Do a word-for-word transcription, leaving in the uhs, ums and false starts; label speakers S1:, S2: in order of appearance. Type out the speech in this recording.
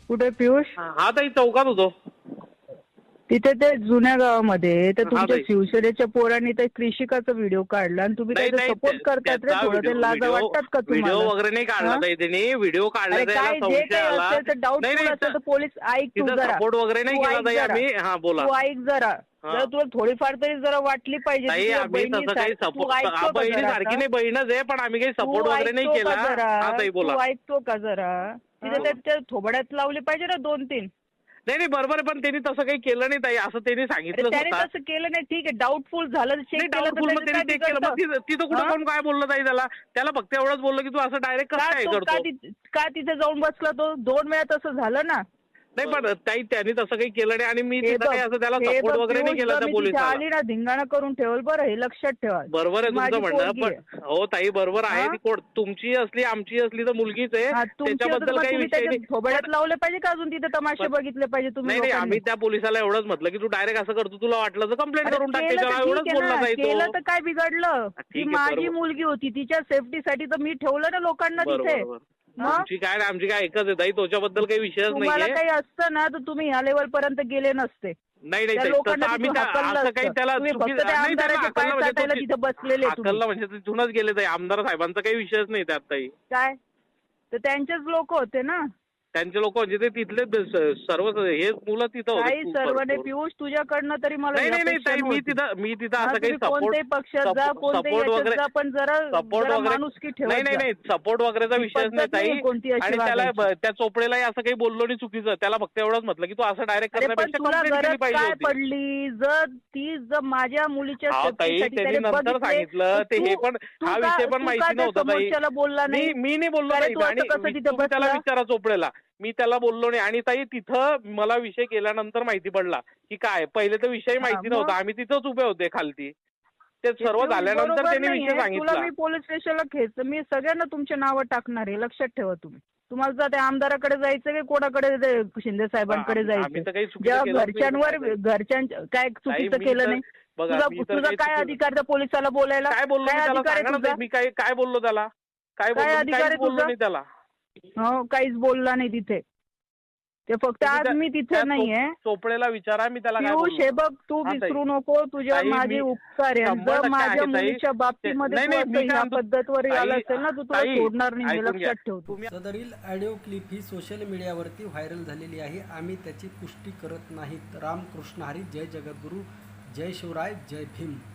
S1: कुठे पियुष?
S2: हा ताई चौकात होतो.
S1: तिथे ते जुन्या गावामध्ये तर तुमच्या
S2: ताई.
S1: शिवसेनेच्या पोरांनी ते कृषिकाचा व्हिडिओ काढला आणि तुम्ही
S2: नाही
S1: त्याचा
S2: नाही
S1: सपोर्ट करतात रे.
S2: त्याचा
S1: थोडं ते लाज
S2: व्हिडिओ
S1: वाटतात का
S2: व्हिडिओ
S1: तुम्हाला?
S2: वगैरे नाही काढला
S1: हा?
S2: ताई त्यांनी. व्हिडिओ काढला
S1: अरे
S2: त्याला
S1: काय जे
S2: संशय
S1: काही
S2: आला.
S1: असेल तर डाऊटफुल असेल तर पोलीस ऐक तू
S2: तिथं
S1: जरा.
S2: सपोर्ट वगैरे नाही
S1: तू
S2: केला
S1: ऐक
S2: ताई
S1: जरा.
S2: आम्ही. हा बोला.
S1: तू ऐक जरा.
S2: हा.
S1: जर तुला थोडीफार तरी जरा वाटली पाहिजे
S2: ताई
S1: तुझ्या
S2: आम्ही तसं काही
S1: बहिणीसारखी. तू
S2: सपोर्ट
S1: ऐकतो का
S2: बहिणी
S1: जरा
S2: सारखी
S1: आता?
S2: नाही, बहीणच आहे, पण आम्ही काही
S1: तू
S2: सपोर्ट वगैरे नाही
S1: ऐकतो
S2: केला.
S1: का जरा?
S2: हा ताई बोला.
S1: तू ऐकतो का जरा? तिथे
S2: हा.
S1: त्या- त्या थोबड्यात लावली पाहिजे ना दोन तीन.
S2: नाही नाही बरोबर आहे, पण त्यांनी तसं काही केलं नाही ताई. असं त्यांनी
S1: अरे
S2: सांगितलं
S1: त्याने
S2: स्वतः.
S1: तसं केलं नाही. ठीक आहे डाऊटफुल झालं चेक
S2: नाही
S1: केलं तर
S2: डाऊटफुल मग
S1: त्याचं
S2: त्यांनी
S1: काय
S2: चेक केलं. मग
S1: बिघडतं?
S2: तिथं तिथं कुठं
S1: हा?
S2: कोण काय बोललं ताई त्याला? त्याला फक्त एवढंच बोललं की तू असं डायरेक्ट
S1: का
S2: कसं काय
S1: तो का
S2: करतो?
S1: ति- का तिथे जाऊन बसला तो? दोन वेळा तसं झालं ना.
S2: नाही पण ताई त्यांनी तसं काही केलं नाही आणि मी
S1: हे
S2: तिथं
S1: बघ,
S2: काही असं त्याला
S1: हे
S2: सपोर्ट
S1: बघ
S2: वगैरे नाही
S1: पियुष,
S2: केला
S1: जर
S2: त्या
S1: मी तिथे
S2: पोलिसाला.
S1: आली ना धिंगाणा करून ठेवल बरं, हे लक्षात ठेवा.
S2: बरोबर आहे
S1: ती
S2: तुमचं
S1: माझी
S2: म्हणणं,
S1: पोरगी
S2: पण
S1: आहे.
S2: हो ताई बरोबर आहे.
S1: हा?
S2: ती कोण तुमची असली आमची असली तर मुलगीच आहे.
S1: हा, तुमची होतं
S2: त्याच्याबद्दल
S1: मग
S2: काही
S1: तुम्ही
S2: विषय
S1: त्याच्या
S2: नाही.
S1: थोबड्यात लावले पाहिजे का अजून तिथे तमाशे
S2: पण-
S1: बघितले पाहिजे तुम्ही
S2: नाही नाही
S1: लोकांनी?
S2: आम्ही त्या पोलिसाला एवढंच म्हटलं की तू डायरेक्ट असं करतो, तुला वाटलं तर कंप्लेंट
S1: अरे
S2: करून टाक
S1: केलं तर
S2: त्याच्यावर.
S1: ठीक
S2: एवढंच
S1: आहे
S2: बोलला
S1: ना.
S2: ताई
S1: केलं
S2: तो.
S1: तर काय बिघडलं? ती
S2: ठीक आहे,
S1: माझी
S2: बरोबर.
S1: मुलगी होती, तिच्या सेफ्टीसाठी तर मी ठेवलं ना लोकांना
S2: बरोबर
S1: तिथे.
S2: बरोबर.
S1: मग
S2: आमची काय नाही, आमची काय एकच आहे ताई, त्याच्याबद्दल काही विषयच
S1: तुम्हाला
S2: नाहीये.
S1: काही असतं ना तर तुम्ही ह्या लेवल पर्यंत गेले नसते.
S2: नाही नाही
S1: त्या
S2: ताई,
S1: लोकांना
S2: तसं आम्ही
S1: तिथून
S2: त्या-
S1: हाकललं
S2: असं काही
S1: असतं.
S2: त्याला
S1: तुम्ही
S2: चुकी-
S1: फक्त त्या
S2: नाही त्याला
S1: आमदाराचे पाय
S2: हाकललं म्हणजे
S1: चाटायला
S2: तो-
S1: तिथे बसलेले तुम्ही.
S2: हाकललं म्हणजे तिथूनच गेले ताई. आमदार साहेबांचा काही विषयच नाही त्यात ताई.
S1: काय तर त्यांचेच लोक होते ना.
S2: त्यांचे लोक म्हणजे ते तिथले स- सर्व हे मुलं तिथं होते
S1: काही
S2: खूप
S1: सर्व नाही
S2: भरपूर.
S1: पियुष, तुझ्याकडनं तरी मला
S2: नाही
S1: ही
S2: नाही नाही
S1: अपेक्षा
S2: ताई, मी
S1: नव्हती.
S2: तिथं मी तिथं
S1: हा,
S2: असं काही
S1: तुम्ही
S2: सपोर्ट
S1: कोणत्याही पक्षात जा, कोणत्याही
S2: सपोर्ट
S1: याच्यात
S2: वगैरे
S1: जा, पण जरा
S2: सपोर्ट
S1: जरा
S2: वगैरे
S1: माणुसकी ठेवत
S2: नाही नाही
S1: जा.
S2: नाही सपोर्ट वगैरेचा
S1: ही
S2: विषयच
S1: पद्धत
S2: नाही ताई.
S1: नाहीये कोणती अशी
S2: आणि त्याला
S1: वागायची.
S2: त्या चोपडेलाही असं काही बोललो नाही चुकीचं. त्याला फक्त एवढंच म्हटलं की तू असं डायरेक्ट
S1: अरे पण
S2: करण्यापेक्षा
S1: तुला
S2: कंप्लेंट केली
S1: गरज
S2: पाहिजे
S1: काय
S2: होती.
S1: पडली? जर ती जर माझ्या मुलीच्या
S2: हा ताई
S1: सेफ्टीसाठी
S2: त्यांनी
S1: त्याने
S2: नंतर
S1: बघितले,
S2: सांगितलं
S1: तर
S2: ते हे
S1: तू-
S2: पण
S1: तू
S2: हा
S1: का-
S2: विषय पण
S1: तू का
S2: माहिती
S1: त्या
S2: नव्हता ताई.
S1: समोरच्याला बोलला
S2: मी
S1: नाही?
S2: मी नाही बोललो
S1: अरे
S2: ताई.
S1: तू असं
S2: आणि
S1: कसं
S2: मी-
S1: तिथे
S2: तुम्ही त्याला
S1: बसला?
S2: विचारा चोपडेला. मी त्याला बोललो नाही. आणि ताई तिथं मला विषय केल्यानंतर माहिती पडला की काय, पहिले तर विषय माहिती
S1: मग?
S2: नव्हता. आम्ही तिथंच उभे होते खालती. ते
S1: हे
S2: सर्व
S1: पियुष
S2: झाल्यानंतर
S1: बरोबर
S2: त्यांनी
S1: नाहीये.
S2: विषय
S1: तुला
S2: सांगितला.
S1: मी पोलीस स्टेशनला खेच मी सगळ्यांना तुमचे नावं टाकणार आहे, लक्षात ठेवा तुम्ही. तुम्हाला जर त्या आमदाराकडे जायचं की कोणाकडे ते शिंदे साहेबांकडे
S2: आम्ही- आम्ही
S1: जायचं?
S2: तर काही चुकीचं
S1: जेव्हा
S2: केलंच नाही.
S1: घरच्यांवर घरच्यांच्या काय चुकीचं
S2: मी
S1: केलं
S2: तर-
S1: नाही?
S2: बघा,
S1: तुझा
S2: मी तर
S1: तुझा
S2: काही
S1: काय
S2: चुकीचं-
S1: अधिकार त्या पोलिसाला बोलायला?
S2: काय बोललो मी
S1: काय
S2: त्याला?
S1: अधिकार आहे
S2: सांगा ना
S1: तुझा?
S2: ताई, मी काय काय बोललो त्याला? काय
S1: काय
S2: बोललो? मी
S1: अधिकार आहे
S2: काहीच बोललो
S1: तुझा?
S2: नाही त्याला.
S1: हो काहीच बोलला नाही तिथे. ते फक्त
S2: तुम्ही
S1: आज
S2: त्या-
S1: मी
S2: त्या
S1: तिथे नाहीये.
S2: चोप- चोपडेला विचारा मी त्याला काय
S1: पियुष
S2: बोललो.
S1: हे बघ, तू
S2: हा, ताई.
S1: विसरू नको तुझ्या
S2: ताई,
S1: माझे
S2: मी
S1: उपकार आहे.
S2: शंभर
S1: जर
S2: टक्के
S1: माझ्या
S2: आहे, ताई.
S1: मुलीच्या बाबतीमध्ये
S2: नाही,
S1: तू
S2: नाही,
S1: असं
S2: मी काय
S1: ह्या
S2: म्हणतो-
S1: पद्धतवर आला
S2: ताई-
S1: असेल ना तर तुला
S2: ताई,
S1: सोडणार नाही, हे
S2: ऐकून घ्या.
S1: लक्षात ठेव तू.
S2: तुम्ही-
S3: सदरील ऑडिओ क्लिप ही सोशल मीडियावरती व्हायरल झालेली आहे. आम्ही त्याची पुष्टी करत नाहीत. रामकृष्ण हरी, जय जगद्गुरू, जय शिवराय, जय भीम.